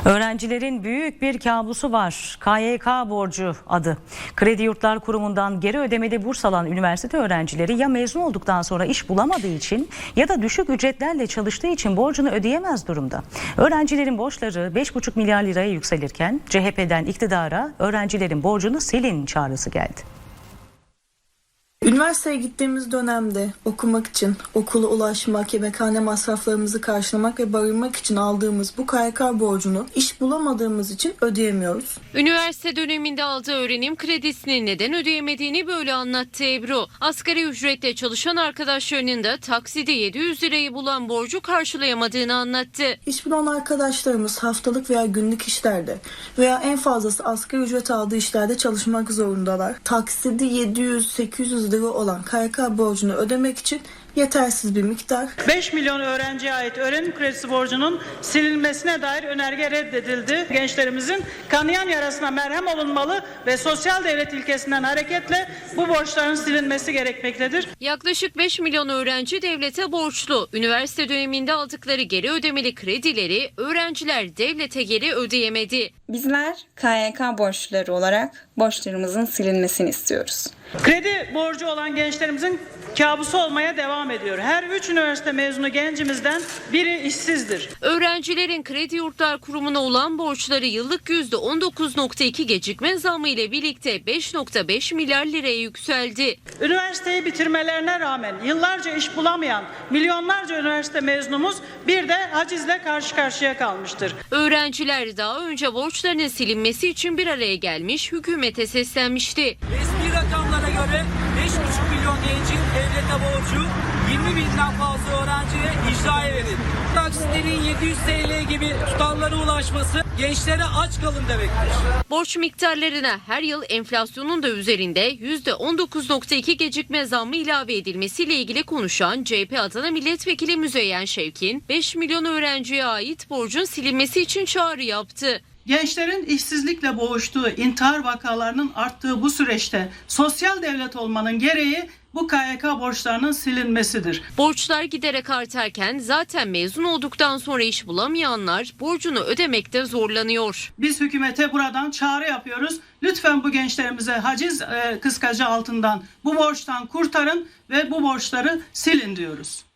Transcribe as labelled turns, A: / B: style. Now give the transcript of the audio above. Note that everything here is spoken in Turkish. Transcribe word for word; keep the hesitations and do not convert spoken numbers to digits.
A: Öğrencilerin büyük bir kabusu var. K Y K borcu adı. Kredi Yurtlar Kurumu'ndan geri ödemeli burs alan üniversite öğrencileri ya mezun olduktan sonra iş bulamadığı için ya da düşük ücretlerle çalıştığı için borcunu ödeyemez durumda. Öğrencilerin borçları beş buçuk milyar liraya yükselirken C H P'den iktidara öğrencilerin borcunu silin çağrısı geldi.
B: Üniversiteye gittiğimiz dönemde okumak için, okula ulaşmak, yemekhane masraflarımızı karşılamak ve barınmak için aldığımız bu K Y K borcunu iş bulamadığımız için ödeyemiyoruz.
C: Üniversite döneminde aldığı öğrenim kredisini neden ödeyemediğini böyle anlattı Ebru. Asgari ücretle çalışan arkadaşlarının da taksidi yedi yüz lirayı bulan borcu karşılayamadığını anlattı.
B: İş bulan arkadaşlarımız haftalık veya günlük işlerde veya en fazlası asgari ücret aldığı işlerde çalışmak zorundalar. Taksidi yedi yüz sekiz yüz lira olan K Y K borcunu ödemek için yetersiz bir miktar.
D: beş milyon öğrenciye ait öğrenim kredisi borcunun silinmesine dair önerge reddedildi. Gençlerimizin kanayan yarasına merhem olunmalı ve sosyal devlet ilkesinden hareketle bu borçların silinmesi gerekmektedir.
C: Yaklaşık beş milyon öğrenci devlete borçlu. Üniversite döneminde aldıkları geri ödemeli kredileri öğrenciler devlete geri ödeyemedi.
E: Bizler K Y K borçluları olarak borçlarımızın silinmesini istiyoruz.
D: Kredi borcu olan gençlerimizin kabusu olmaya devam ediyor. Her üç üniversite mezunu gencimizden biri işsizdir.
C: Öğrencilerin Kredi Yurtlar Kurumu'na olan borçları yıllık yüzde on dokuz nokta iki gecikme zammı ile birlikte beş nokta beş milyar liraya yükseldi.
D: Üniversiteyi bitirmelerine rağmen yıllarca iş bulamayan milyonlarca üniversite mezunumuz bir de hacizle karşı karşıya kalmıştır.
C: Öğrenciler daha önce borçlarının silinmesi için bir araya gelmiş, hükümete seslenmişti.
F: Resmi rakamlara göre beş buçuk milyon gencin devlete borcu yirmi binden fazla öğrenciye icraya verildi. Taksitlerin yedi yüz TL gibi tutarlara ulaşması gençlere aç kalın demektir.
C: Borç miktarlarına her yıl enflasyonun da üzerinde yüzde on dokuz nokta iki gecikme zammı ilave edilmesiyle ilgili konuşan C H P Adana Milletvekili Müzeyyen Şevkin, beş milyon öğrenciye ait borcun silinmesi için çağrı yaptı.
D: Gençlerin işsizlikle boğuştuğu, intihar vakalarının arttığı bu süreçte sosyal devlet olmanın gereği bu K Y K borçlarının silinmesidir.
C: Borçlar giderek artarken zaten mezun olduktan sonra iş bulamayanlar borcunu ödemekte zorlanıyor.
D: Biz hükümete buradan çağrı yapıyoruz. Lütfen bu gençlerimize haciz e, kıskacı altından bu borçtan kurtarın ve bu borçları silin diyoruz.